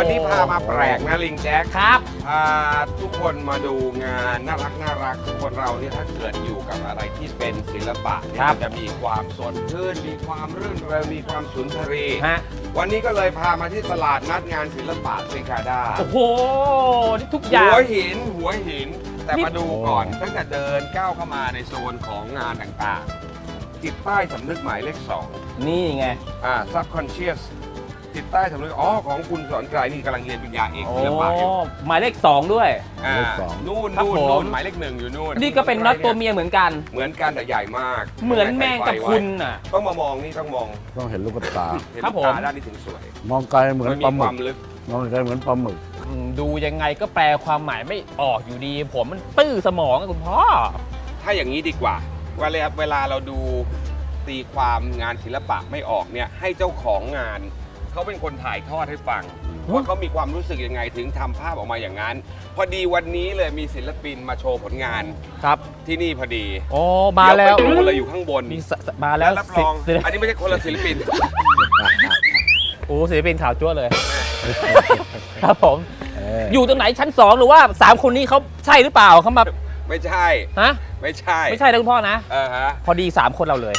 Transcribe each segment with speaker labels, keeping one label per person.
Speaker 1: วันนี้พามาแปลกนะลิงแจ็ค
Speaker 2: ครับ
Speaker 1: พาทุกคนมาดูงานน่ารักคนเราเนี่ยถ้าเกิดอยู่กับอะไรที่เป็นศิลปะเนี่ยมันจะมีความสดชื่นมีความรื่นเริงมีความสุนทรีย์วันนี้ก็เลยพามาที่ตลาดนัดงานศิลปะเซกาดา
Speaker 2: โอ้โหนี่ทุกอย่าง
Speaker 1: หัวหินแต่มาดูก่อนตั้งแต่เดินก้าวเข้ามาในโซนของงานต่างๆติดป้ายสำนึกหมายเลข 2
Speaker 2: นี่ไง
Speaker 1: subconscious ติดใต้สำนึกของคุณสอนไกรนี่กำลังเรียนปริญญาเอกศิลปะอยู่
Speaker 2: หมายเลข 2ด้วย
Speaker 1: นู่นหมายเลข 1อยู่นู่น
Speaker 2: นี่ก็เป็นน็อตตัวเมียเหมือนกัน
Speaker 1: แต่ใหญ่มาก
Speaker 2: เหมือนแมงกะพรุนอ่ะ
Speaker 1: ต้องมามองนี่ต้อง
Speaker 3: เห็นลูกตา
Speaker 2: ครับผม
Speaker 1: ด้านนี้ถึงสวย
Speaker 3: มองไกลเหมือนปลาหมึกมองไกลเหมือนปลาหมึก
Speaker 2: ดูยังไงก็แปลความหมายไม่ออกอยู่ดีผมมันตื้อสมองคุณพ่อ
Speaker 1: ถ้าอย่างนี้ดีกว่าเวลาเราดูตีความงานศิลปะไม่ออกเนี่ยให้เจ้าของงานเขาเป็นคนถ่ายทอดให้ฟังว่าเขามีความรู้สึกยังไงถึงทำภาพออกมาอย่างนั้นพอดีวันนี้เลยมีศิลปินมาโชว์ผลงาน
Speaker 2: ครับ
Speaker 1: ที่นี่พอดี
Speaker 2: โอ้มาแล้ว
Speaker 1: ไปดูเลยอยู่ข้างบน
Speaker 2: มาแล้ว
Speaker 1: รับรองอันนี้ไม่ใช่คนละศิลปิน
Speaker 2: โอ้ศิลปินข่าวจั่วเลยครับผมอยู่ตรงไหนชั้น2หรือว่า3คนนี้เขาใช่หรือเปล่าเขามา
Speaker 1: ไม่ใช่ไม่ใช่
Speaker 2: นะคุณพ่อนะพอดี3คนเราเลย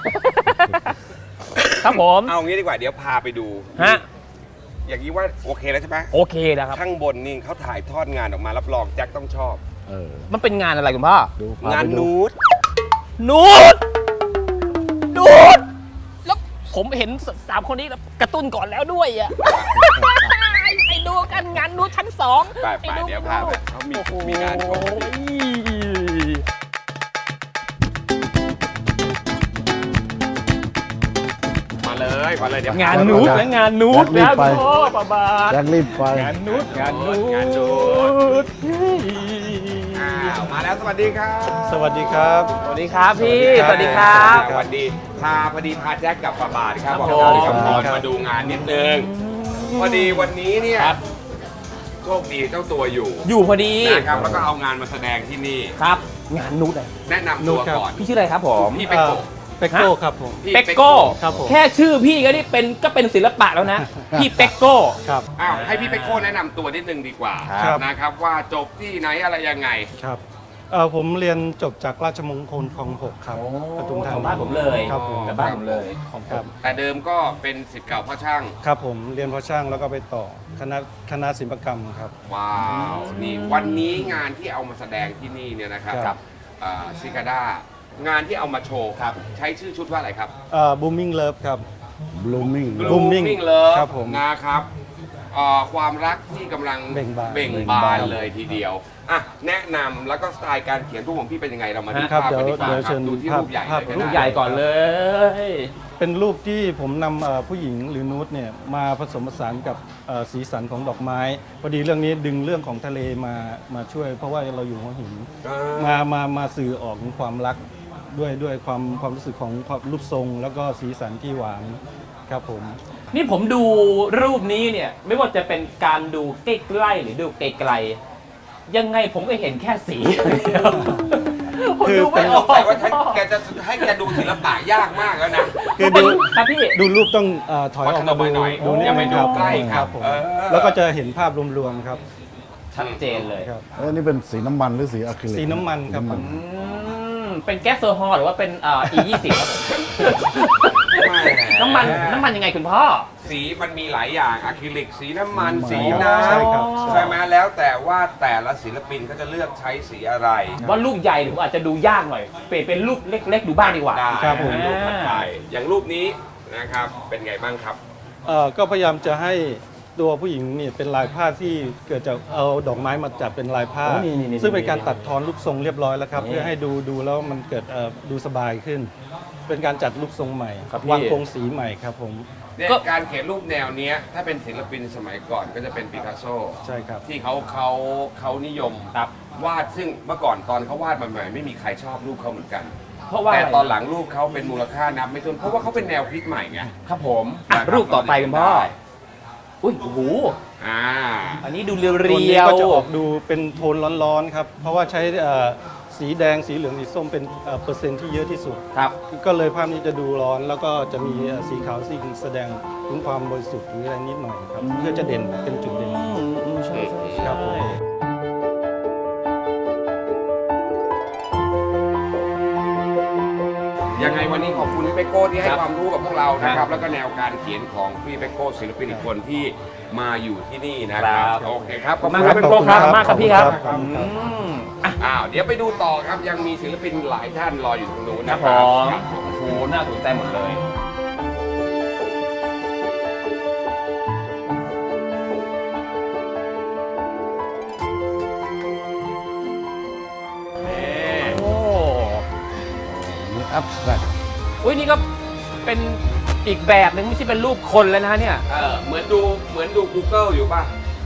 Speaker 2: ครับผม
Speaker 1: เอางี้ดีกว่าเดี๋ยวพาไปดูอย่างนี้ว่าโอเคแล้วใช่ไหม
Speaker 2: โอเคนะครับ
Speaker 1: ข้างบนนี่เขาถ่ายทอดงานออกมารับรองแจ็คต้องชอบ
Speaker 2: มันเป็นงานอะไรคุณพ่
Speaker 1: องานนูดแล้ว
Speaker 2: ผมเห็น3คนนี้กระตุ้นก่อนแล้วด้วยอ่ะไปดูกันงานนูดชั้น2
Speaker 1: ไปเดี๋ยวพาไปเขามีงานโชว์มาเลยเดี๋ยว
Speaker 2: งานนูดและงานนูดนะพ่อป้า
Speaker 3: รีบไป
Speaker 2: งานนูด
Speaker 1: มาแล้วสวัสดีครับ
Speaker 2: สวัสดีครับพี่สวัสดีครับ
Speaker 1: สวัสดีพอดีพาแจ็คกับป้าบาทครับบอกมาดูงานนิดนึงพอดีวันนี้เนี่ยโชคดีเจ้าตัวอยู่
Speaker 2: พอดี
Speaker 1: นะครับแล้วก็เอางานมาแสดงที่นี่
Speaker 2: ครับงานนูด
Speaker 1: แนะนำตัวก่อน
Speaker 2: พี่ชื่ออะไรครับผม
Speaker 1: พี่เป็กโก้
Speaker 2: ครับผมเป็กโก้แค่ชื่อพี่ก็นี่เป็นศิลปะแล้วนะพี่เป็กโก้
Speaker 1: ครับให้พี่เป็กโก้แนะนำตัวนิดนึงดีกว่านะครับว่าจบที่ไหนอะไรยังไง
Speaker 4: ครับผมเรียนจบจากราชมงคลคลอง 6ครับปทุมธานี
Speaker 2: บ้านผมเลย
Speaker 4: ครับผม
Speaker 2: บ้านผมเลยของผม
Speaker 1: แต่เดิมก็เป็นศิษย์เก่าพ่อช่าง
Speaker 4: ครับผมเรียนพ่อช่างแล้วก็ไปต่อคณะศิลปกรรมครับ
Speaker 1: ว้าวนี่วันนี้งานที่เอามาแสดงที่นี่เนี่ยนะครับซิกาด้างานที่เอามาโชว์ครับใช้ชื่อชุดว่าอะไรครับ
Speaker 4: Booming Love ครับ
Speaker 1: Booming Love
Speaker 4: ครับผม
Speaker 1: นะครับความรักที่กำลังเบ่งบานเลยทีเดียวแนะนำแล้วก็สไตล์การเขียนรูปของพี่เป็นยังไงเรามาดูภาพกันดีกว่าครับดูที่รูปใหญ่
Speaker 2: รูปใหญ่ก่อนเลย
Speaker 4: เป็นรูปที่ผมนำผู้หญิงหรือนูดเนี่ยมาผสมผสานกับสีสันของดอกไม้พอดีเรื่องนี้ดึงเรื่องของทะเลมาช่วยเพราะว่าเราอยู่หัวหินมาสื่อออกถึงความรักด้วยความรู้สึกของรูปทรงแล้วก็สีสันที่หวานครับผม
Speaker 2: นี่ผมดูรูปนี้เนี่ยไม่ว่าจะเป็นการดูใกล้ๆหรือดูไกลๆยังไงผมก็เห็นแค่สี
Speaker 1: คือไม่ออกแต่ว่าแกจะให้แกดูศิลปะยากมากแล้วนะ
Speaker 4: คือดูรูปต้องถอยออกมาดู
Speaker 1: อย่าไปดูใกล้ครับผม
Speaker 4: แล้วก็จะเห็นภาพรวมๆครับ
Speaker 2: ชัดเจนเลย
Speaker 4: ครับ
Speaker 3: นี่เป็นสีน้ำมันหรือสีอะคริลิก
Speaker 4: สีน้ำมันครับ
Speaker 2: เป็นแก๊สโซฮอล์หรือว่าเป็นE20 ครับผมน้ำมันยังไงคุณพ่อ
Speaker 1: สีมันมีหลายอย่างอะคริลิกสีน้ำมันสีน้ำใช่ไหมแล้วแต่ว่าแต่ละศิลปินเขาจะเลือกใช้สีอะไร
Speaker 2: ว่าลูกใหญ่หรืออาจจะดูยากหน่อยเปลี่ยนเป็นลูกเล็กๆดูบ้างดีกว่า
Speaker 1: ครับผมรูปถัดไปอย่างรูปนี้นะครับเป็นไงบ้างครับ
Speaker 4: ก็พยายามจะให้ตัวผู้หญิงนี่เป็นลายผ้าที่เกิดจากเอาดอกไม้มาจับเป็นลายผ้าซึ่งเป็นการตัดทอนรูปทรงเรียบร้อยแล้วครับเพื่อให้ดูแล้วมันเกิดดูสบายขึ้นเป็นการจัดรูปทรงใหม่วางโครงสีใหม่ครับผม
Speaker 1: การเขียนรูปแนวนี้ถ้าเป็นศิลปินสมัยก่อนก็จะเป็นปิกัสโซ
Speaker 4: ใช่ครับ
Speaker 1: ที่เขานิยมวาดซึ่งเมื่อก่อนตอนเขาวาดใหม่ๆไม่มีใครชอบรูปเขาเหมือนกันแต่ตอนหลังรูปเขาเป็นมูลค่านับไม่ถ้วนเพราะว่าเขาเป็นแนวคิดใหม่ไง
Speaker 2: ครับผมรูปต่อไปคุณพ่ออุ้ยโอ้โหอันนี้ดูเรียว
Speaker 4: ๆตัวนี้ก็จะออกดูเป็นโทนร้อนๆครับเพราะว่าใช้สีแดงสีเหลืองสีส้มเป็นเปอร์เซ็นต์ที่เยอะที่สุด
Speaker 2: ครับ
Speaker 4: ก็เลยภาพนี้จะดูร้อนแล้วก็จะมีสีขาวสีแสดงถึงความบริสุทธิ์หรืออะไรนิดหน่อยครับเพื่อจะเด่นเป็นจุดเด่น
Speaker 2: ใช่
Speaker 4: ครับผม
Speaker 1: ยังไงวันนี้ขอบคุณพี่เปโก้ที่ให้ความรู้กับพวกเรานะครับ แล้วก็แนวการเขียนของพี่เปโก้ศิลปินอีกคนที่มาอยู่ที่นี่นะครับโอเคครับขอบ
Speaker 2: มาก
Speaker 1: คุณ
Speaker 2: ครับ
Speaker 1: พี่
Speaker 2: เป็น
Speaker 1: เป
Speaker 2: โปร
Speaker 1: โก้
Speaker 2: ค
Speaker 1: ค
Speaker 2: รั
Speaker 1: รั
Speaker 2: บบ มากครับพี่ครับ
Speaker 1: เดี๋ยวไปดูต่อครับยังมีศิลปินหลายท่านรออยู่ตรงนู้น
Speaker 2: ครั
Speaker 1: นะ
Speaker 2: บ
Speaker 1: ค
Speaker 2: ผ
Speaker 1: รับ
Speaker 2: มโอ้โหน่าสนใจหมดเลย โอ้
Speaker 3: นี่อัพแตรก
Speaker 2: อุ้ยนี่ก็เป็นอีกแบบหนึ่งไม่ใช่เป็นรูปคนแล้วนะเนี่ย
Speaker 1: เหมือนดู Google อยู่ป่ะ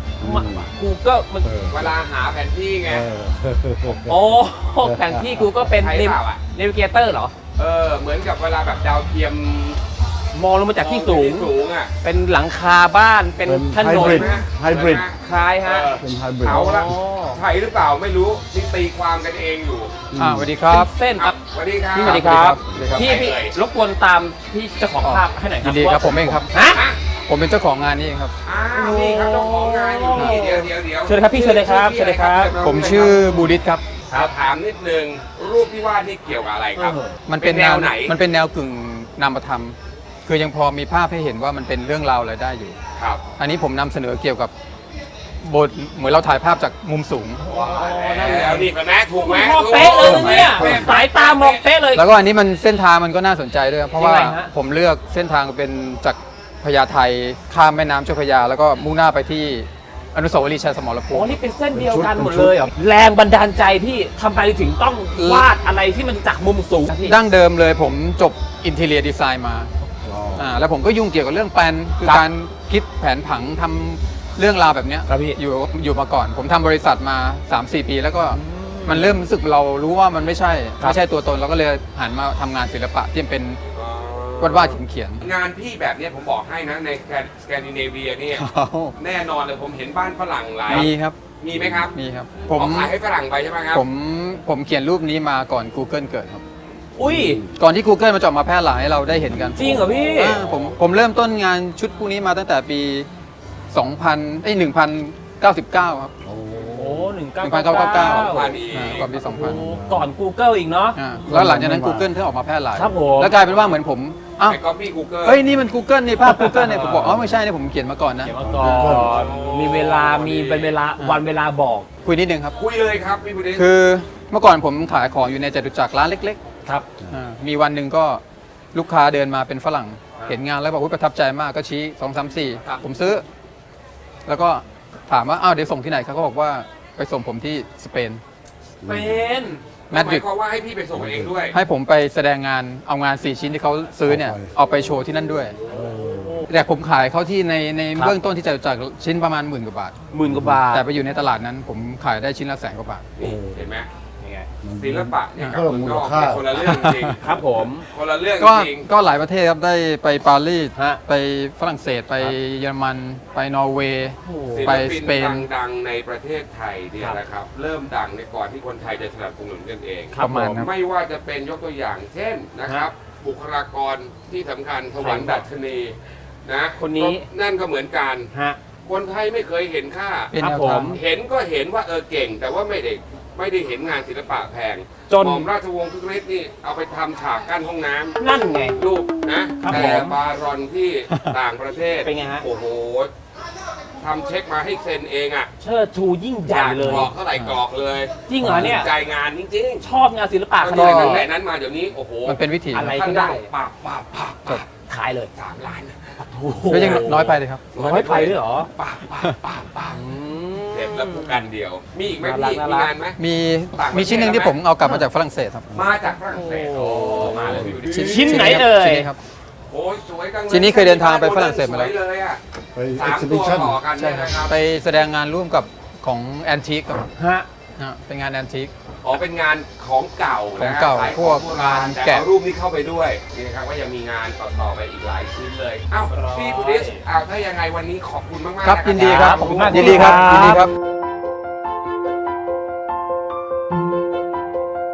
Speaker 2: Google มัน
Speaker 1: เวลาหาแผนที่ไง
Speaker 2: โอ้แผนที่ Google เป็น
Speaker 1: ใช่เปล่าอะ
Speaker 2: เนวิเกเตอร์เหรอ
Speaker 1: เหมือนกับเวลาแบบดาวเทียม
Speaker 2: มองลงมาจากที่สูง
Speaker 1: สูงอ่ะ
Speaker 2: เป็นหลังคาบ้าน เป็น
Speaker 3: เป็น
Speaker 2: ถนน
Speaker 3: ไฮบริด
Speaker 2: คล้ายฮะ
Speaker 3: เป็นไฮบริด
Speaker 1: เอาละ
Speaker 2: อ๋อ
Speaker 1: ใช่หรือเปล่าไม่รู้นี่ตีความกันเองอยู่
Speaker 5: สวัสดีครับ
Speaker 2: เส้นครับ
Speaker 1: สวัสดีครับ
Speaker 2: สวัสดีครับ
Speaker 5: สวัสดีครับ
Speaker 2: พี่รบกวนตามพี่เจ้าของภาพให้หน่อยครั
Speaker 5: ยินดีครับผมเองครับ
Speaker 2: ฮะ
Speaker 5: ผมเป็นเจ้าของงานนี้เองครับ
Speaker 1: อ้าวนี่ครับเจ้าของงานอยู่นี่เดี๋ยว
Speaker 2: เชิญเลยครับพี่เชิญเลยครับเชิญเลยครับ
Speaker 5: ผมชื่อบูริสครับ
Speaker 1: ถามนิดนึงรูปที่วาดนี่เกี่ยวกับอะไรครับ
Speaker 5: มันเป็น
Speaker 1: แนวไหน
Speaker 5: มันเป็นแนวกึ่งนามธรรม คือยังพอมีภาพให้เห็นว่ามันเป็นเรื่องราวอะไรได้อยู่
Speaker 1: ครับ
Speaker 5: อันนี้ผมนำเสนอเกี่ยวกับบทเหมือนเราถ่ายภาพจากมุมสูง
Speaker 1: แล้วนี่เป็นแม่ถูกไหม
Speaker 2: มองเป๊ะเลยนะเนี่ยสายตามองเป๊ะเลย
Speaker 5: แล้วก็อันนี้มันเส้นทางมันก็น่าสนใจด้วยครับเพราะว่า
Speaker 2: ยังไงฮะ
Speaker 5: ผมเลือกเส้นทางเป็นจากพญาไทข้ามแม่น้ำเจ้าพระยา แล้วก็มุ่งหน้าไปที่อนุสาวรีย์ชัยสมรภู
Speaker 2: โอ้
Speaker 5: มิ
Speaker 2: นี่เป็นเส้นเดียวกันหมดเลยเหรอแรงบันดาลใจพี่ทำไมถึงต้องวาดอะไรที่มันจากมุมสูงพี่
Speaker 5: ดั้งเดิมเลยผมจบอินเท i รียดีไซน์มาแล้วผมก็ยุ่งเกี่ยวกับเรื่องแปลนคือ
Speaker 2: ครับ
Speaker 5: การคิดแผนผังทำเรื่องราวแบบเนี้ย
Speaker 2: ครับพี่
Speaker 5: อยู่มาก่อน ผมทำบริษัทมา 3-4 ปีแล้วก็มันเริ่มรู้สึกเรารู้ว่ามันไม่ใช่ตัวตนเราก็เลยหันมาทำงานศิลปะที่เป็นวาดเขียน
Speaker 1: งานพี่แบบเนี้ยผมบอกให้นะในสแกนดิเนเวียเนี่ย
Speaker 5: ๆ
Speaker 1: แน่นอนเลยผมเห็นบ้านฝรั่งหลาย
Speaker 5: มีครับ
Speaker 1: มีไหมครับ
Speaker 5: มีครับ
Speaker 1: ผมขายให้ฝรั่งไปใช่ไหมครับ
Speaker 5: ผมเขียนรูปนี้มาก่อน Google เกิดครับ
Speaker 2: อุ้ย
Speaker 5: ก่อนที่ Google มันจะออกมาแพร่หลายให้เราได้เห็นกัน
Speaker 2: จริงเหรอพี่
Speaker 5: ผมเริ่มต้นงานชุดพวกนี้มาตั้งแต่ปี 1999 ครับ
Speaker 2: โอ้1999
Speaker 5: 1999
Speaker 1: วันนี้
Speaker 5: ก่อนปี
Speaker 2: โอ้ก่อน Google อีกเนาะ
Speaker 5: 2000แล้วหลังจากนั้น Google ถึงออกมาแพร่หลาย
Speaker 2: ครับผม
Speaker 5: แล้วกลายเป็นว่าเหมือนผมอ้าว
Speaker 1: ไปก๊อปปี้กูเกิล
Speaker 5: เฮ้ยนี่มัน Google นี่ภาพ Google เนี่ยผมบอกอ๋อไม่ใช่เนี่ยผมเขียนมาก่อนนะ
Speaker 2: เดี๋ยวมาก่อนมีเวลามีเป็นเวลาวันเวลาบอก
Speaker 5: คุยนิดนึงครับ
Speaker 1: คุยเลยครับพี่บุริศ
Speaker 5: คือเมื่อก่อนผมขายของอยู่ในจตุจักรร้านเล็ก
Speaker 2: ครับ
Speaker 5: ๆมีวันหนึ่งก็ลูกค้าเดินมาเป็นฝรั่ง เห็นงานแล้วบอกว่าประทับใจมากก็ชี้2 3 4ผมซื้อ แล้วก็ถามว่าอ้าวเดี๋ยวส่งที่ไหนเขาก็บอกว่าไปส่งผมที่สเปน
Speaker 2: เป็น
Speaker 5: แมด
Speaker 1: ห
Speaker 5: ริ
Speaker 1: มาย
Speaker 5: ด
Speaker 1: ความว่าให้พี่ไปส่งเองด้วย
Speaker 5: ให้ผมไปแสดงงานเอางาน 4 ชิ้นที่เขาซื้อเนี่ยเอาไปโชว์ที่นั่นด้วย แต่ผมขายเขาที่ในเบื้องต้นที่จะจากชิ้นประมาณ10,000 กว่าบาท
Speaker 2: 10,000 กว่าบาท
Speaker 5: แต่ไปอยู่ในตลาดนั้นผมขายได้ชิ้นละ100,000 กว่าบาท
Speaker 1: นี่เห็นไหม
Speaker 2: ยังไง
Speaker 1: ศิลปะเนี่ยกับ
Speaker 3: เพิ่ม
Speaker 1: เมือง
Speaker 3: มู
Speaker 1: น
Speaker 3: ล
Speaker 1: อก
Speaker 3: ค่า
Speaker 1: เนี่ยคนละเรื่องจริง
Speaker 2: ครับผม
Speaker 1: คนละเรื่อง
Speaker 5: ก็
Speaker 1: จริง
Speaker 5: ก็หลายประเทศครับได้ไปปารีส
Speaker 2: ฮะ
Speaker 5: ไปฝรั่งเศสไปเยอรมัน ไปนอร์เวย์
Speaker 1: ศิ
Speaker 5: ไป
Speaker 1: ลปิ
Speaker 5: ส
Speaker 1: น
Speaker 5: เปน
Speaker 1: ดังๆในประเทศไทยเนี่ยนะครับ เริ่มดังในก่อนที่คนไทยจะสนับสนุนกันเอง
Speaker 2: ครับ
Speaker 5: ประมาณนั้น
Speaker 1: ไม่ว่าจะเป็นยกตัวอย่างเช่นนะครับ บุคลากรที่สำคัญสวรรค์ดัชนีนะ
Speaker 2: คนนี้
Speaker 1: ก็นั่นก็เหมือนกัน
Speaker 2: ฮะ
Speaker 1: คนไทยไม่เคยเห็นค่า
Speaker 5: เป็น
Speaker 2: ครับ
Speaker 5: แนว
Speaker 2: ผ
Speaker 5: ทาม ง
Speaker 1: เห็นก็เห็นว่าเก่ง แต่ว่าไม่ได้เห็นงานศิลปะแพง
Speaker 2: จน
Speaker 1: หม่อมราชวงศ์คึกฤทธิ์นี่เอาไปทำฉากกั้นห้องน้ำ
Speaker 2: นั่นไง
Speaker 1: รูปนะครับ แต่
Speaker 2: ผม
Speaker 1: บารอนที่ต่างประเทศ
Speaker 2: เป็นไงฮะ
Speaker 1: โอ้โหทำเช็คมาให้เซ็นเองอ่ะ
Speaker 2: เชิดชูยิ่งใหญ่เลย
Speaker 1: กรอกเท่าไหร่กรอกเลย
Speaker 2: จริงเหรอเนี่ย
Speaker 1: ใจงานจริง
Speaker 2: ชอบงานศิลปะ
Speaker 1: ๆ
Speaker 2: ข
Speaker 1: ข
Speaker 2: นา
Speaker 1: นา
Speaker 2: ด
Speaker 1: ด
Speaker 2: นั้น
Speaker 1: ไหนนั้นมาเดี๋ยวนี้โอ้โห
Speaker 5: มันเป็นวิถี
Speaker 2: อะไร
Speaker 1: ท่าน
Speaker 2: ก็ได้
Speaker 1: ปากปากปากปาก
Speaker 2: ขายเลย
Speaker 1: 3 ล้าน
Speaker 2: โอ้โห
Speaker 5: ก็ยังน้อยไปเลยครับ
Speaker 2: น้อยไปด้วยเหรอ
Speaker 1: ปากปากปากปากเสร็จแล้วผู้กันเดียว มีอีกไหม
Speaker 2: น่ารัก
Speaker 1: พี่
Speaker 2: น่า
Speaker 1: มี
Speaker 2: รัก
Speaker 1: งานไหม
Speaker 5: มี
Speaker 1: ต่างประเทศ
Speaker 5: มีชิ้นหนึ่งที่ผมเอากลับมาจากฝรั่งเศสครับ
Speaker 1: มาจากฝรั่งเศสโอ้มาเลยพี่ดูดิ
Speaker 2: ชิ้นไหนเอ่ย
Speaker 5: ชิ้นนี้ครับ
Speaker 1: โอ้ยสวยจังเลย
Speaker 5: ชิ้นนี้เคยเดินทางไปฝรั่งเศสมาแล้ว
Speaker 1: สวยเลยอ่ะ
Speaker 3: ไป
Speaker 1: สา
Speaker 3: เอ็ก
Speaker 1: ม
Speaker 3: ซิ
Speaker 1: ตั
Speaker 3: บิ
Speaker 1: ว
Speaker 3: ชัน
Speaker 1: ต่อกันเนี่ยนะครับ
Speaker 5: ไปแสดงงานร่วมกับของแอนทิกครับ
Speaker 2: ฮะ
Speaker 5: เป็นงานแอนทิก
Speaker 1: อ๋อเป็นงานของเก่า
Speaker 5: ของ
Speaker 1: นะ
Speaker 5: เก่า
Speaker 1: ขาย
Speaker 5: พวก
Speaker 1: ของโบราณ
Speaker 5: งาน
Speaker 1: แต่
Speaker 5: แกะ
Speaker 1: เอารูปนี้เข้าไปด้วยนี่นะครับว่ายังมีงานต่อๆไปอีกหลายชิ้นเลยอ้าวพี่บุริศอ้าวถ้ายังไงวันนี้ขอบคุณมากๆ
Speaker 5: ครับ
Speaker 1: นะ
Speaker 5: ยินดีครับ
Speaker 2: ขอบคุณมาก
Speaker 5: ยินดีครับ
Speaker 2: ยินดีครับ
Speaker 5: ยินดีครับ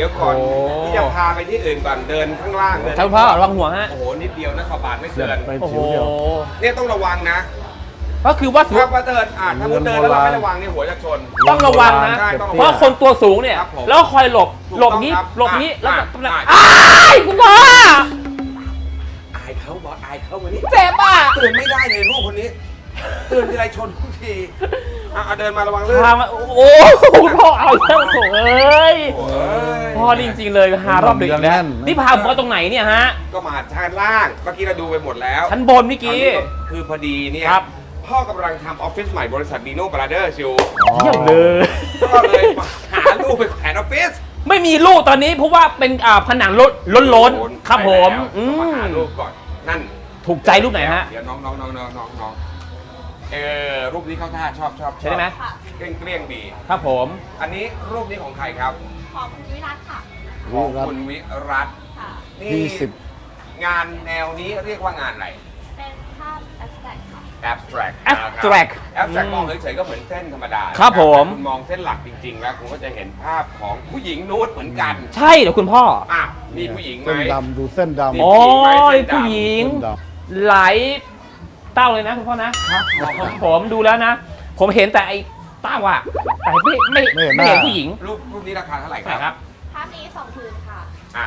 Speaker 1: ดี๋ยวก่อน
Speaker 2: โอ้
Speaker 1: ที่จะพาไปที่อื่นก่อนเดินข้างล่างเดิน
Speaker 2: ท่านพ่อระวังหัวฮะ
Speaker 1: โอ้โหนิดเดียวนะขอบาทไม่เกิน
Speaker 3: ไป
Speaker 2: โอ้โห
Speaker 3: ผิวเดียว
Speaker 1: เนี่ยต้องระวังนะ
Speaker 2: ก็คือว่าสูง
Speaker 1: ถ้าว่าเดินถ้าคุณเดินแล้วเราไม่ระวังนี่หัวจะชน
Speaker 2: ต้องระวังนะ
Speaker 1: ใช่ต้องระวัง
Speaker 2: เพราะคนตัวสูงเนี่ย
Speaker 1: ครับผม
Speaker 2: แล้วคอยหลบ
Speaker 1: ถูก
Speaker 2: หลบ
Speaker 1: ต้อง
Speaker 2: นี้
Speaker 1: ครับ
Speaker 2: หลบนี้แล้วก็
Speaker 1: อ่ะ
Speaker 2: อ้ายคุณพ่อ
Speaker 1: อายเขาบอสอายเขาวันนี้
Speaker 2: เจ็บอ่ะ
Speaker 1: ตื่นไม่ได้เลยลูกคนนี้ตื่นทีไรชนทุกทีเดินมาระวังเรื่อง
Speaker 2: พามาโอ้โหคุณพ่อเอาเรื่องโถเอ้ย
Speaker 1: โอ้ย
Speaker 2: พ่อนี่จริงๆเลยหารอบดึกอีกแล้ว
Speaker 3: แน่น
Speaker 2: นี่พาผมมาตรงไหนเนี่ยฮะ
Speaker 1: ก็มาชั้นล่างเมื่อกี้เราดูไปหมดแล้ว
Speaker 2: ชั้นบนเมื่อกี้
Speaker 1: คือพอดีเนี่ย
Speaker 2: ครับ
Speaker 1: พ่อกำลังทำออฟฟิศใหม่บริษัทดีโน่บราเดอร์ชิว
Speaker 2: เยี่ยมเลย
Speaker 1: ก็เลยมาหาลูกไปแผนออฟฟิศ
Speaker 2: ไม่มีลูกตอนนี้เพราะว่าเป็นผนังล้นๆครับผม
Speaker 1: ไปแล้วก็มาหาลูกก่อนนั่น
Speaker 2: ถูกใจรูปไหนฮะ
Speaker 1: เดี๋ยวน้องรูปนี้เข้าท่าชอบ
Speaker 2: ใช่ไหม
Speaker 1: เกลี้ยงดี
Speaker 2: ครับผม
Speaker 1: อันนี้รูปนี้ของใครครับ
Speaker 6: ของคุณวิรัตค่ะ
Speaker 1: ของคุณวิรัตน์
Speaker 6: ค่ะ
Speaker 1: นี่
Speaker 3: ที่สิบ
Speaker 1: งานแนวนี้เรียกว่างานอะไร
Speaker 6: เป็นภาพแอบสแตรกค่ะ
Speaker 1: abstract
Speaker 2: abstract
Speaker 1: abstract มองเฉยๆก็เหมือนเส้นธรรมดา
Speaker 2: ครับผม
Speaker 1: แต่คุณมองเส้นหลักจริงๆ แล้วคุณก็จะเห็นภาพของผู้หญิงนูดเหมือนกัน
Speaker 2: ใช่เหรอคุณพ่อ
Speaker 1: มีผู้หญิงไหม
Speaker 3: เส้นดำดูเส้นดำ
Speaker 1: นี่
Speaker 2: อ๋อ
Speaker 1: ผู้หญิงไหม
Speaker 2: ผู้หญิง
Speaker 3: เส้นด
Speaker 2: หลายเต้าเลยนะคุณพ่อนะครับผมดูแล้วนะ ผมเห็นแต่ไอ้เต้าอะแต่ไม่เห็นผู้หญิง
Speaker 1: รูปนี้ราคาเท่าไหร่ค
Speaker 2: ใช่
Speaker 1: รับ
Speaker 2: ครับ
Speaker 6: ภาพนี้2 คืนค่ะ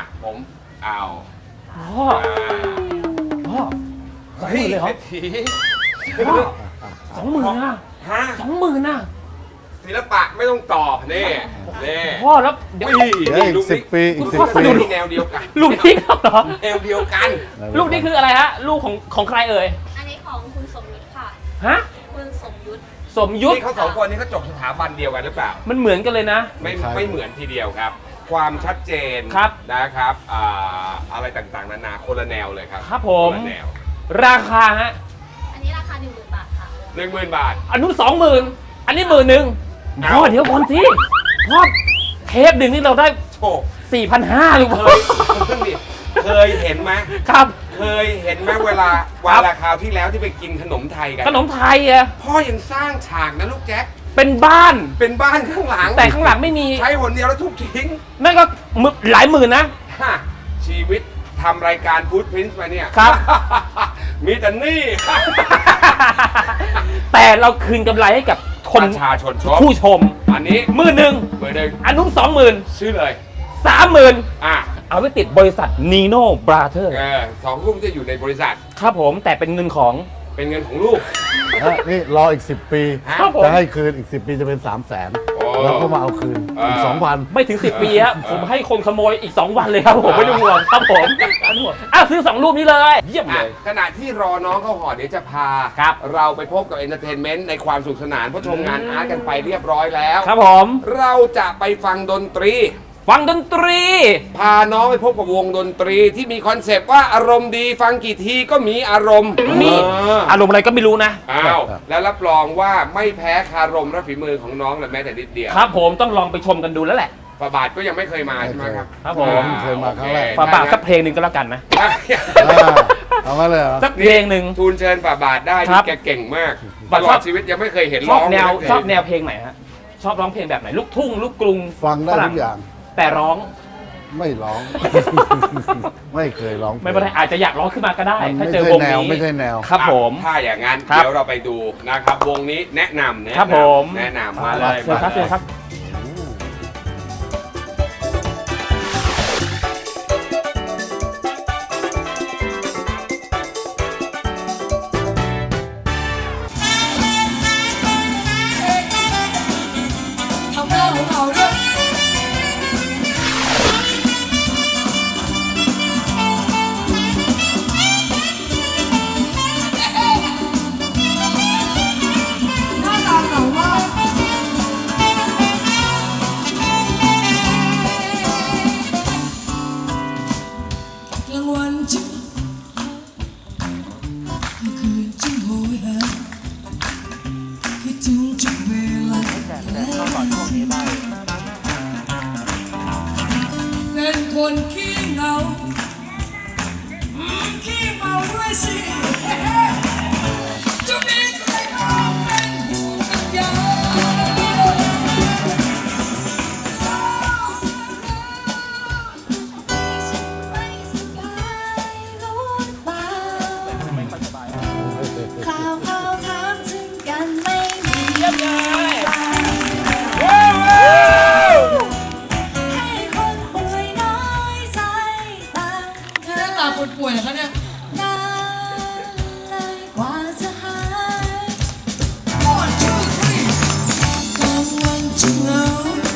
Speaker 1: ผมเอา
Speaker 2: พ่อพ่อ
Speaker 1: เฮ้ย
Speaker 2: เลยเหรอ
Speaker 1: เศรษฐี
Speaker 2: พ่อ20,000นะ
Speaker 1: ฮะ
Speaker 2: 20,000นะ
Speaker 1: ศิลปะไม่ต้องต่อนี่
Speaker 2: พ่อแล้วเดี๋ยว
Speaker 3: ำเดี๋ยวอีก10 ปีอีก
Speaker 2: พ่อ
Speaker 3: 10 ปี
Speaker 2: ดู
Speaker 1: แนวเดียวกัน
Speaker 2: ลูกนี้ครับเหรอ
Speaker 1: แนวเดียวกัน
Speaker 2: ลูกนี้คืออะไรฮะลูกของใครเอ่ย
Speaker 6: อันนี้ของคุณสมยุทธค่ะ
Speaker 2: ฮะ
Speaker 6: คุณสมยุทธ
Speaker 2: สมยุทธ
Speaker 1: นี่เขาสองคนนี้เขาจบสถาบันเดียวกันหรือเปล่า
Speaker 2: มันเหมือนกันเลยนะ
Speaker 1: ไม่เหมือนทีเดียวครับ ความชัดเจน
Speaker 2: ครับ
Speaker 1: นะครับอะไรต่างๆนานาคนละแนวเลยครับ
Speaker 2: ครับผม
Speaker 1: คนละแนว
Speaker 2: ราคาฮะ
Speaker 6: อันนี้ราคา 10,000 บาทค่ะ
Speaker 1: 10,000 บาท
Speaker 2: อันนู้น20,000อันนี้11,000
Speaker 1: เอา
Speaker 2: พ่อเดี๋ยวก่อนสิพ่อเทปหนึ่งนี่เราได้
Speaker 1: โอ้
Speaker 2: 4,500หรือ
Speaker 1: เค
Speaker 2: เปล่าย
Speaker 1: เคยเห็นไหม
Speaker 2: ครับ
Speaker 1: เคยเห็นไหมเวลาคราวที่แล้วที่ไปกินขนมไทยกัน
Speaker 2: ขนมไทยอะ
Speaker 1: พ่อยังสร้างฉากนะลูกแจ็ค
Speaker 2: เป็นบ้าน
Speaker 1: เป็นบ้านข้างหลัง
Speaker 2: แต่ข้างหลังไม่มี
Speaker 1: ใช้หนเดียวแล้วทุบทิ้ง
Speaker 2: นั่นก็หลายหมื่นนะ
Speaker 1: ฮะชีวิตทำรายการฟู้ดพินส์มาเนี่ย
Speaker 2: ครับ
Speaker 1: มีแต่หนี่
Speaker 2: แต่เราคืนกำไรให้กับคน
Speaker 1: ประชาชนชม
Speaker 2: ผู้ชม
Speaker 1: อันนี้
Speaker 2: 11,000
Speaker 1: เบอร์หนึ่ง
Speaker 2: อันนู้น20,000
Speaker 1: ชื่อเลย
Speaker 2: 30,000
Speaker 1: อ่ะ
Speaker 2: เอาไปติดบริษัทนีโน่บราเธอร์
Speaker 1: สองรูปจะอยู่ในบริษัท
Speaker 2: ครับผมแต่เป็นเงินของ
Speaker 1: เป็นเงินของลูก
Speaker 3: นี่รออีก 10 ปี
Speaker 1: ฮะ
Speaker 2: ครับผม
Speaker 3: จะให้คืนอีก 10 ปีจะเป็น 300,000
Speaker 1: โอ้
Speaker 3: แล้วก็มาเอาคืนอีก 2,000
Speaker 2: ไม่ถึง 10 ปีฮะผมให้คนขโมยอีก 2 วันเลยครับผมไม่ต้องห่วงครับผมไม่ต้องห่วงซื้อ 2 รูปนี้เลย เยี่ยมเลย
Speaker 1: ขณะที่รอน้องเข้าหอเดี๋ยวจะพา
Speaker 2: ครับ
Speaker 1: เราไปพบกับเอนเตอร์เทนเมนต์ในความสุขสนานเพราะชมงานอาร์ตกันไปเรียบร้อยแล้ว
Speaker 2: ครับผม
Speaker 1: เราจะไปฟังดนตรี
Speaker 2: ฟังดนตรี
Speaker 1: พาน้องไปพบกับวงดนตรีที่มีคอนเซปต์ว่าอารมณ์ดีฟังกี่ทีก็มีอารมณ์
Speaker 2: มี อารมณ์อะไรก็ไม่รู้นะ
Speaker 1: อ้าวแล้วรับรองว่าไม่แพ้คารมและฝีมือของน้องเลยแม้แต่นิดเดียว
Speaker 2: ครับผมต้องลองไปชมกันดูแล้วแหละ
Speaker 1: ฝาบาทก็ยังไม่เคยมาใช่ไหมครับ
Speaker 2: ครับผม
Speaker 3: เคยมาครั้งแรก
Speaker 2: ฝาบาทสักเพลงหนึ่งก็แล้วกันนะ
Speaker 3: เอามาเลยเหรอ
Speaker 2: สักเพลงหนึ่ง
Speaker 1: ทูลเชิญฝาบาทได้
Speaker 2: ครั
Speaker 1: นี่
Speaker 2: บ
Speaker 1: แกเก่งมาก
Speaker 2: ฝา
Speaker 1: ต
Speaker 2: บาท
Speaker 1: ลอดชีวิตยังไม่เคยเห็น
Speaker 2: ช
Speaker 1: ร้
Speaker 2: อ
Speaker 1: อบ ง
Speaker 2: แนว
Speaker 1: เลย
Speaker 2: ชอบแนวเพลงไหนฮะชอบร้องเพลงแบบไหนลูกทุ่งลูกกรุง
Speaker 3: ฟังได้
Speaker 2: ฝรั่
Speaker 3: ทุกอย่าง
Speaker 2: แต่ร้อง
Speaker 3: ไม่ร้อง ไม่เคยร้อง
Speaker 2: ไม่เป็นไรอาจจะอยากร้องขึ้นมาก็ได้
Speaker 3: มัน
Speaker 2: ถ้า
Speaker 3: ไม่
Speaker 2: เจอ
Speaker 3: ใช่
Speaker 2: วง
Speaker 3: แนว
Speaker 2: นี้
Speaker 3: ไม่ใช่แนว
Speaker 2: ครับผม
Speaker 1: ถ้าอย่างนั้น
Speaker 2: ครับ
Speaker 1: เดี๋ยวเราไปดูนะครับวงนี้แนะนำ
Speaker 2: ครับผม
Speaker 1: แนะนำมาเลย
Speaker 2: เชิญครับ
Speaker 1: มา
Speaker 2: เชิ
Speaker 1: เล
Speaker 2: ญ
Speaker 1: ย
Speaker 2: ครับ
Speaker 7: กลางวันจึงกลางคืนจึงโหยหาคิดถึงทุกเวลาเป็นคนขี้เหงาขี้เมาด้วยสิจะมีใครมาเป็นห่วงกันยัง
Speaker 6: ค
Speaker 7: คนป่วยเหรอคะเนี่ยนานเลยกว่าจะหายก่อนช่วยกลางวันจะเหงา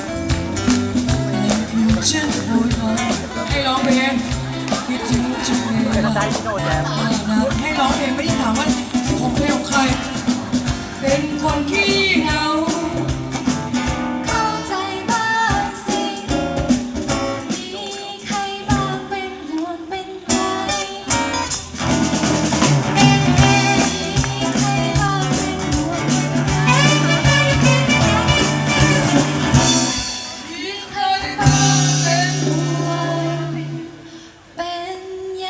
Speaker 7: ฉันโหยหาให้ร้องเพลงคิดถึงจังเลยให้ร้องเพลงไม่ได้ถามว่าของเพลงของใครเป็นคนขี้เหงาเข้าใจบ้างสิมีใครบ้างเป็นห่วงเป็นใยมีใครบ้างเป็นห่วงมีใครบ้างเป็นห่วงเป็นใย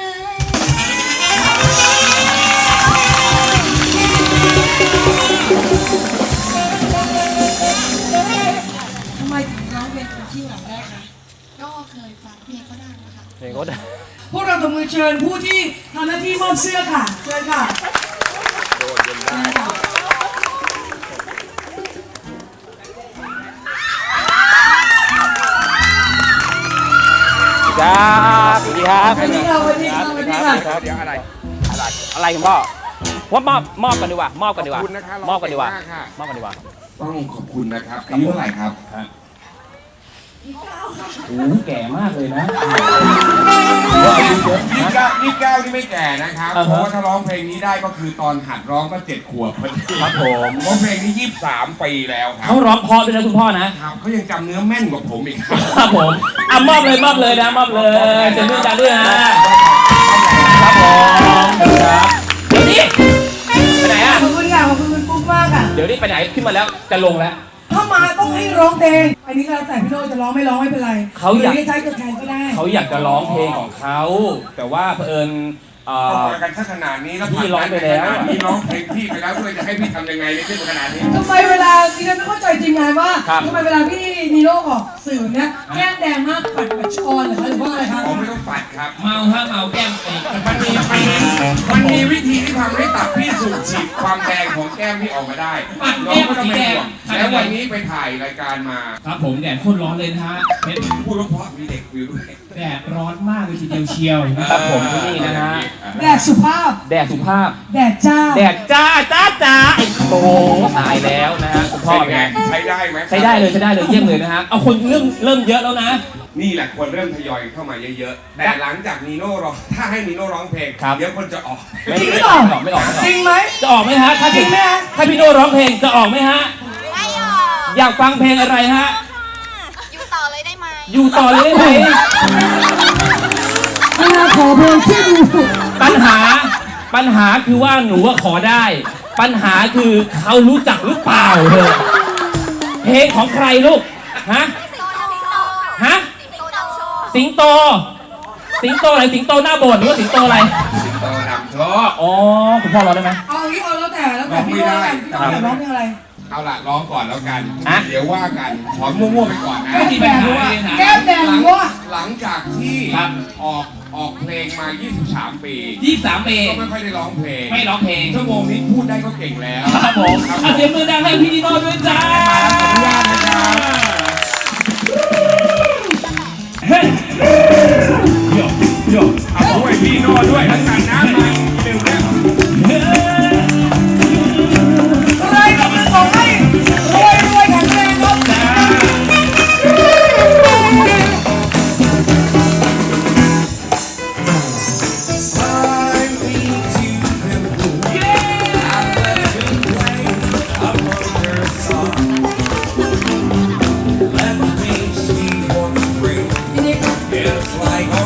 Speaker 7: ทำไมถึงร้องเพลงคนขี้เหงาได้คะ
Speaker 6: ก็เคยฟังเพลงเขาได้นะคะ
Speaker 2: เพลงก็ได้
Speaker 7: พวกเราตบมือเชิญผู้ที่ทำหน้าที่มอบเสื้อค่ะเชิญค่ะ
Speaker 2: ครับสวัสดีครับ
Speaker 7: สวัสดีค่ะสวัสดีค่ะสวัสดีค่ะ
Speaker 1: เดี๋ยวอะไร
Speaker 2: อะไรคุณพ่อว่ามอบกันดีกว่ามอบกันดีกว่า
Speaker 1: ขอบคุณนะคะ
Speaker 2: มอบกันดีกว่า
Speaker 1: ขอบคุณมากค่ะ
Speaker 2: มอบกันดีกว่า
Speaker 1: ต้องขอบคุณนะครับอายุเท่าไหร่ครับ
Speaker 2: โอ้แก่มากเลยนะ
Speaker 1: ยี่เก้านี่ไม่แก่นะครับ
Speaker 2: อ่าฮะ
Speaker 1: เพราะว่าถ้าร้องเพลงนี้ได้ก็คือตอนหัดร้องก็7 ขวบพอดี
Speaker 2: ครับผม
Speaker 1: เพราะเพลงนี้23 ปีแล้วครั
Speaker 2: เขาร้องเพราะด้วยนะคุณพ่อนะ
Speaker 1: ครับเขายังจำเนื้อแม่นกว่าผมอีกครับ
Speaker 2: ครับผมอ่ะมอบเลยนะมอบเลยเจนด้วยกันด้วยนะครับผมครับเดี๋ยวนี้ไปไหนอ่ะ
Speaker 7: ขอบคุณค่ะขอบคุณคุณปุ๊กมากค่ะ
Speaker 2: เดี๋ยวนี้ไปไหนขึ้นมาแล้วจะลงแล้ว
Speaker 7: ถ้ามาต้องให้ร้องเพลงอันนี้ก็แล้วแต่พี่โน้ตจะร้องไม่ร้องไม่เป็นไร
Speaker 2: เขาอยาก
Speaker 7: หรืจะใช้ตัวแทนก็ได้
Speaker 2: เขาอยากจะร้องเพลงของเขาแต่ว่าเผอิญ
Speaker 1: พอกันสักขนาดนี้แล้ว
Speaker 2: พี่ร้องไปแล้ว
Speaker 1: พี่ร้องเพลงพี่ไปแล้วด้วยจะให้พี่ทำยังไงในที่ขนาดนี้
Speaker 7: ทำไมเวลาดิฉันไม่เข้าใจจริงไงว่า
Speaker 2: ครับ
Speaker 7: ทำไมเวลาพี่นีโน่ออกสื่อเนี่ยแก้มแดงมากปัดชอนเหรอคะหรือว่าอะไรคะ
Speaker 1: ผมไม่ต้องปัดครับ
Speaker 2: เมาฮะเมาแก้มอีก
Speaker 1: มันมีวิธีที่ทำให้ตับพี่สูบฉีดความแดงของแก้มพี่ออกมาได้น้องก็ต้องเป็นห่วงแล้ววันนี้ไปถ่ายรายการมา
Speaker 8: ครับผมแดดโคตรร้อนเลยนะฮะเพชร
Speaker 1: พูดเพราะๆมีเด็กวิวด้วย
Speaker 8: แดดร้อนมากเลยทีเดียวเชียวนะ
Speaker 2: ค
Speaker 8: ค
Speaker 2: รั
Speaker 8: รั
Speaker 2: บบ ผมที่นี่นะฮะ
Speaker 7: แดดสุภาพ
Speaker 2: แดดสุภาพ
Speaker 7: แดดจ้า
Speaker 2: แดดจ้าไอ้โตตายแล้วนะฮะคุณพ่อ
Speaker 1: เป็น
Speaker 2: เป็น
Speaker 1: ไง
Speaker 2: ไง
Speaker 1: ใช้ได้ไหม
Speaker 2: ใช้ได้เลยเยี่ยมเลยนะฮะเอาคนเริ่มเยอะแล้วนะ
Speaker 1: นี่แหละควรเริ่มทยอยเข้ามาเยอะๆ แต่หลังจากนีโน่ร้องถ้าให้นีโน่ร้องเพลง
Speaker 2: ครับ
Speaker 1: เดี๋ยวคนจะออก
Speaker 2: ไม่ออก
Speaker 7: จริงไหม
Speaker 2: จะออกไหมฮะถ้าถึงถ้าพี่โน่ร้องเพลงจะออกไหมฮะ
Speaker 6: ไม่ออก
Speaker 2: อยากฟังเพลงอะไรฮะ
Speaker 6: อยู่ต่อเลยได้ไหม
Speaker 2: อยู่ต่อเลยได้ไหม
Speaker 7: ขอเพลงที่ดูสุด
Speaker 2: ปัญหาคือว่าหนูว่าขอได้ ปัญหาคือเขารู้จักหรือเปล่าเธอเพลงของใครลูกฮะฮะสิงโตอะไรสิงโตหน้าโบสถ์หรือว่าสิงโตอะไร
Speaker 1: สิงโตนำโชค
Speaker 2: อ๋อคุณพ่อร้องได้ไหม
Speaker 7: เอาอย่างนี้เอาแล้วแต่พี่โน้ตกันพี่โน้ตอยากร้องเพลงอะไร
Speaker 1: เอาล่ะร้องก่อนแล้วกัน
Speaker 2: ฮะ
Speaker 1: เดี๋ยวว่ากันขอมั่วๆไปก่อนนะ
Speaker 7: แก้มแดงแก้มแดงว่า
Speaker 1: หลังจากที่ออกเพลงมา 23 ปี
Speaker 8: 23 ปี
Speaker 1: ก็ไม่ค่อยได้ร้องเพลง
Speaker 8: ไม่ร้องเพลง
Speaker 1: ชั่วโมงนี้พูดได้ก็เก่งแล้ว
Speaker 8: ครับผม
Speaker 1: ครับผ
Speaker 8: เอา
Speaker 1: ม
Speaker 8: เสียงมือดังให้พี่นิโน่ด้วยจ้า
Speaker 1: ขออนุญาตนะครับ
Speaker 8: เฮ้ยโยโย
Speaker 1: เอาด้วยพี่โน่ด้วยแล้วกันนะมาหนึ่งเนี่ย
Speaker 8: เฮ้ย
Speaker 7: ใครกำลังขอให้รวยแข็งแรงครับ
Speaker 1: It's like